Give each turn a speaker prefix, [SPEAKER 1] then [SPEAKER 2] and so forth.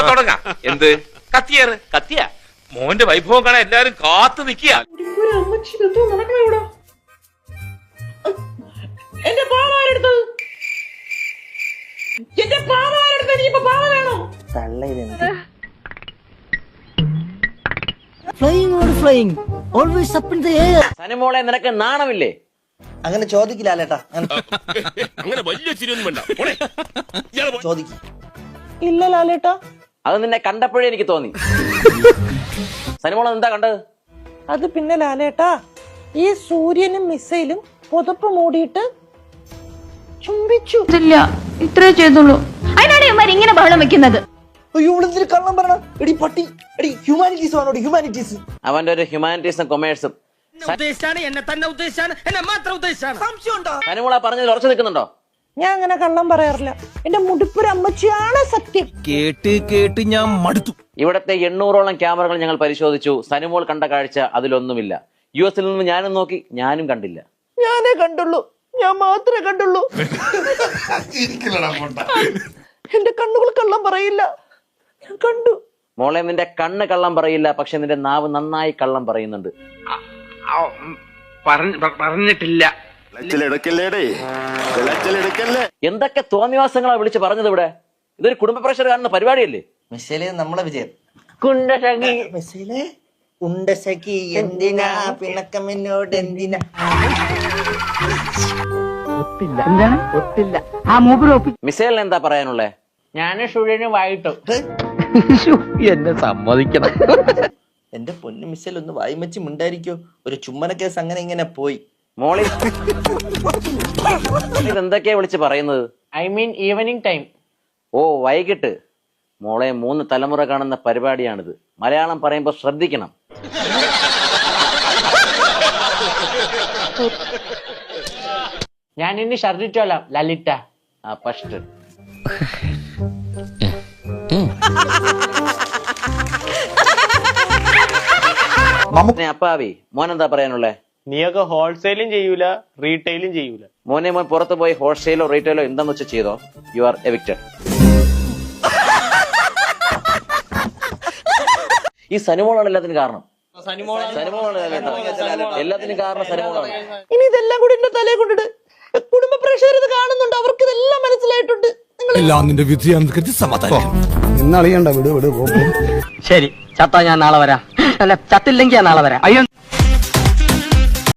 [SPEAKER 1] തുടങ്ങാം. എന്ത് കത്തിയേറ് കത്തിയ മോന്റെ വൈഭവം കാണാൻ എല്ലാരും കാത്തു നിക്കുക.
[SPEAKER 2] എന്റെ പാവാരെടുത്തത് എന്റെ പാവാരെടുത്തത് നീ ഇപ്പൊ പാവ വേണോ?
[SPEAKER 3] Flying always up in the air.
[SPEAKER 4] സനിമോളെ നിനക്ക് നാണമില്ലേ?
[SPEAKER 5] അങ്ങനെ ചോദിക്കില്ലേട്ടാ,
[SPEAKER 1] അങ്ങനെ വലിയ ചിരിയൊന്നും വേണ്ട.
[SPEAKER 5] ചോദിക്കും.
[SPEAKER 2] ഇല്ല ലാലേട്ടാ,
[SPEAKER 4] അത് നിന്നെ കണ്ടപ്പോഴേ എനിക്ക് തോന്നി. സനിമോളെ എന്താ കണ്ടത്?
[SPEAKER 2] അത് പിന്നെ ലാലേട്ടാ, ഈ സൂര്യനും മിസൈലും പുതപ്പ് മൂടിയിട്ട് ചുംബിച്ചു.
[SPEAKER 6] ഇല്ല, ഇത്രേ ചെയ്തുള്ളൂ. അതിനാണ് ഇവന്മാർ ഇങ്ങനെ ബഹളം വെക്കുന്നത്.
[SPEAKER 5] അയ്യോ, ഇവിടെ കള്ളം പറയണം. എടി പട്ടി, എടി ഹ്യൂമാനിറ്റീസ് ആണോ? ഹ്യൂമാനിറ്റീസ്.
[SPEAKER 4] അവന്റെ ഒരു ഹ്യൂമാനിറ്റീസും കൊമേഴ്സും. സനിമോളെ പറഞ്ഞതിൽ ഉറച്ചു നിൽക്കുന്നുണ്ടോ?
[SPEAKER 2] ഞാൻ അങ്ങനെ കള്ളം പറയാറില്ല. എന്റെ മുടിപ്പൊരു അമ്മച്ചിയാണ് സത്യം.
[SPEAKER 3] കേട്ട് ഞാൻ മടുത്തു.
[SPEAKER 4] ഇവിടത്തെ 800ഓളം ക്യാമറകൾ ഞങ്ങൾ പരിശോധിച്ചു. സനിമോൾ കണ്ട കാഴ്ച അതിലൊന്നുമില്ല. US-ൽ നിന്ന് ഞാനും നോക്കി, ഞാനും കണ്ടില്ല.
[SPEAKER 2] ഞാനേ കണ്ടുള്ളൂ, ഞാൻ മാത്രമേ കണ്ടുള്ളൂ. എന്റെ കണ്ണുകൾ കള്ളം പറയില്ല, ഞാൻ കണ്ടു.
[SPEAKER 4] മോളെ, നിന്റെ കണ്ണ് കള്ളം പറയില്ല, പക്ഷെ നിന്റെ നാവ് നന്നായി കള്ളം പറയുന്നുണ്ട്.
[SPEAKER 1] പറഞ്ഞിട്ടില്ല.
[SPEAKER 4] എന്തൊക്കെ തോന്നിവാസങ്ങളാ വിളിച്ച് പറഞ്ഞത് ഇവിടെ? ഇതൊരു കുടുംബ പ്രഷർ കാണുന്ന പരിപാടിയല്ലേ?
[SPEAKER 5] മിസൈല് നമ്മളെ വിജയം.
[SPEAKER 4] കുണ്ടശകി
[SPEAKER 5] ഉണ്ടശക്കി എന്തിനാ പിണക്കമെന്നോട് എന്തിനാ?
[SPEAKER 4] മിസൈലിന് എന്താ പറയാനുള്ളേ? ഞാന് ഷുഴന് വായിട്ടു.
[SPEAKER 3] എന്നെ സമ്മതിക്കണം.
[SPEAKER 5] എന്റെ പൊന്നു മിസൈൽ ഒന്ന് വായ്മച്ച് മിണ്ടായിരിക്കോ? ഒരു ചുമ്മന കേസ് അങ്ങനെ ഇങ്ങനെ പോയി.
[SPEAKER 4] മോളി ഇതെന്തൊക്കെയാ വിളിച്ച് പറയുന്നത്?
[SPEAKER 2] I mean evening time.
[SPEAKER 4] ഓ, വൈകിട്ട്. മോളെ, 3 തലമുറ കാണുന്ന പരിപാടിയാണിത്. മലയാളം പറയുമ്പോ ശ്രദ്ധിക്കണം.
[SPEAKER 2] ഞാൻ ഇനി ഷർദിച്ചോളാം ലലിത.
[SPEAKER 4] ആ ഫസ്റ്റ് അപ്പാവി മോനെന്താ പറയാനുള്ളേ?
[SPEAKER 7] നീയൊക്കെ ഹോൾസെയിലും ചെയ്യൂല, റീറ്റെയിലും ചെയ്യൂല.
[SPEAKER 4] മോൻ പുറത്ത് പോയി ഹോൾസെയിലോ റീറ്റെയിലോ എന്താന്ന് വെച്ചാൽ ചെയ്തോ. You are evicted. ഈ സനിമോളാണ് എല്ലാത്തിനും കാരണം. എല്ലാത്തിനും കാരണം സനിമോളാണ്.
[SPEAKER 2] ഇനി ഇതെല്ലാം കൂടി എന്റെ തലയെ കൊണ്ടിട്ട് കുടുംബ പ്രേക്ഷകർ ഇത് കാണുന്നുണ്ട്, അവർക്ക് ഇതെല്ലാം മനസ്സിലായിട്ടുണ്ട്.
[SPEAKER 3] എല്ലാം നിന്റെ വിധിയാണെന്ന് സമാധാനം.
[SPEAKER 8] ഇന്നളിയണ്ട വിട്.
[SPEAKER 3] ശരി, ചത്താ ഞാൻ നാളെ വരാം. അല്ല, ചത്തില്ലെങ്കിൽ ഞാൻ നാളെ വരാം. അയ്യോ.